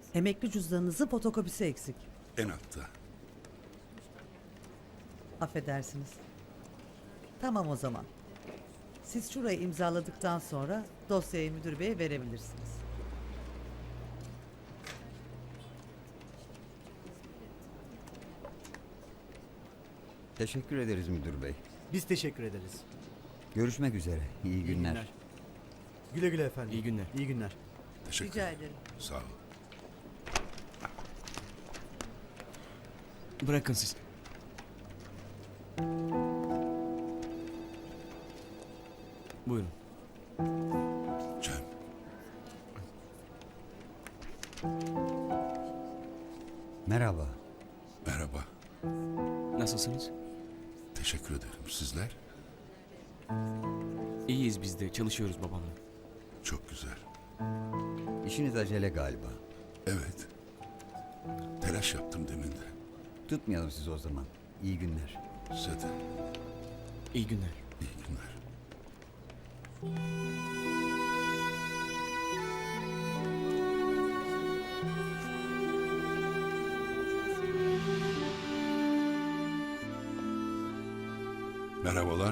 Emekli cüzdanınızın fotokopisi eksik. En altta. Affedersiniz. Tamam o zaman. Siz şurayı imzaladıktan sonra dosyayı müdür beye verebilirsiniz. Teşekkür ederiz müdür bey. Biz teşekkür ederiz. Görüşmek üzere. İyi günler. Güle güle efendim. İyi günler. İyi günler. Teşekkür Rica ederim. ederim. Sağ ol. Bırakın siz. Buyurun. Cem. Merhaba. Merhaba. Nasılsınız? Teşekkür ederim. Sizler? İyiyiz biz de. Çalışıyoruz babamla. Çok güzel. İşiniz acele galiba. Evet. Telaş yaptım demin de. Tutmayalım sizi o zaman. İyi günler. Size de İyi günler. iyi günler. Merhabalar.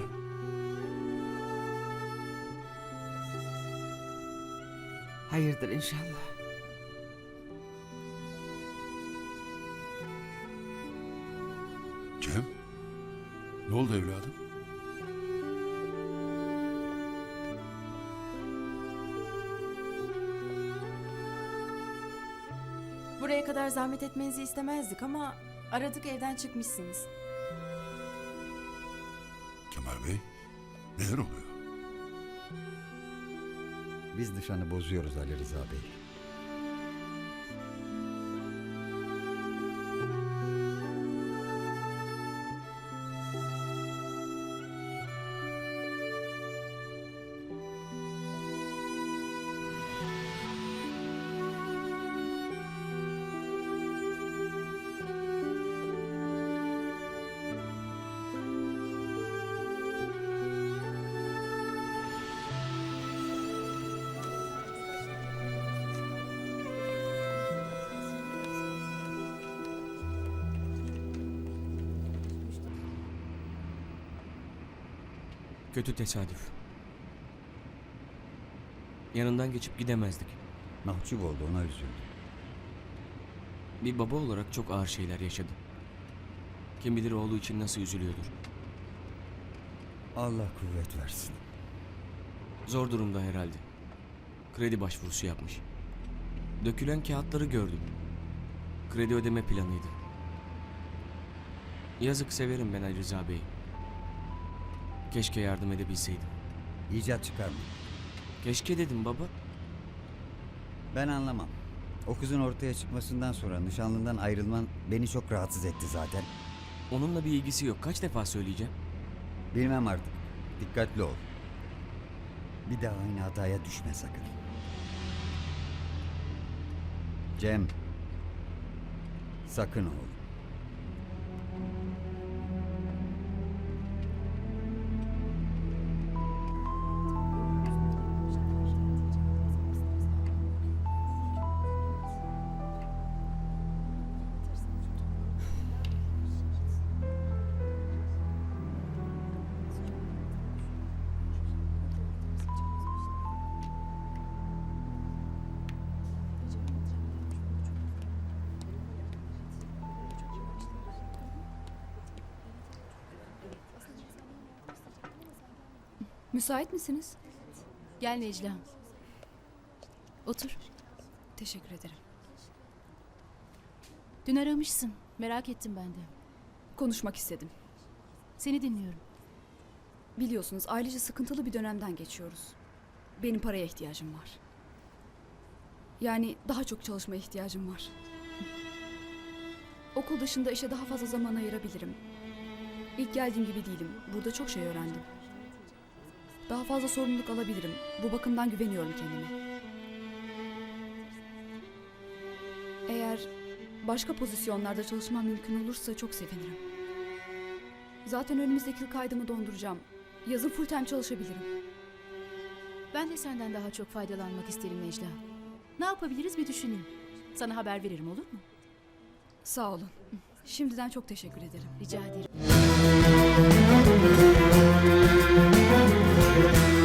Hayırdır inşallah. Cem. Ne oldu evladım? Buraya kadar zahmet etmenizi istemezdik ama aradık, evden çıkmışsınız. Kemal Bey. Neler oluyor? Biz nişanı bozuyoruz Ali Rıza Bey. Kötü tesadüf. Yanından geçip gidemezdik. Mahcup oldu, ona üzüldüm. Bir baba olarak çok ağır şeyler yaşadı. Kim bilir oğlu için nasıl üzülüyordur. Allah kuvvet versin. Zor durumda herhalde. Kredi başvurusu yapmış. Dökülen kağıtları gördüm. Kredi ödeme planıydı. Yazık, severim ben Ali Rıza Bey'i. Keşke yardım edebilseydim. İcat çıkarma. Keşke dedim baba. Ben anlamam. O kızın ortaya çıkmasından sonra nişanlından ayrılman beni çok rahatsız etti zaten. Onunla bir ilgisi yok. Kaç defa söyleyeceğim? Bilmem artık. Dikkatli ol. Bir daha aynı hataya düşme sakın. Cem. Sakın oğlum. Müsait misiniz? Gel Necla. Otur. Teşekkür ederim. Dün aramışsın. Merak ettim ben de. Konuşmak istedim. Seni dinliyorum. Biliyorsunuz ailece sıkıntılı bir dönemden geçiyoruz. Benim paraya ihtiyacım var. Yani daha çok çalışmaya ihtiyacım var. Okul dışında işe daha fazla zaman ayırabilirim. İlk geldiğim gibi değilim. Burada çok şey öğrendim. Daha fazla sorumluluk alabilirim. Bu bakımdan güveniyorum kendime. Eğer başka pozisyonlarda çalışmam mümkün olursa çok sevinirim. Zaten önümüzdeki yıl kaydımı donduracağım. Yazın full time çalışabilirim. Ben de senden daha çok faydalanmak isterim Necla. Ne yapabiliriz bir düşüneyim. Sana haber veririm, olur mu? Sağ olun. Şimdiden çok teşekkür ederim. Rica ederim.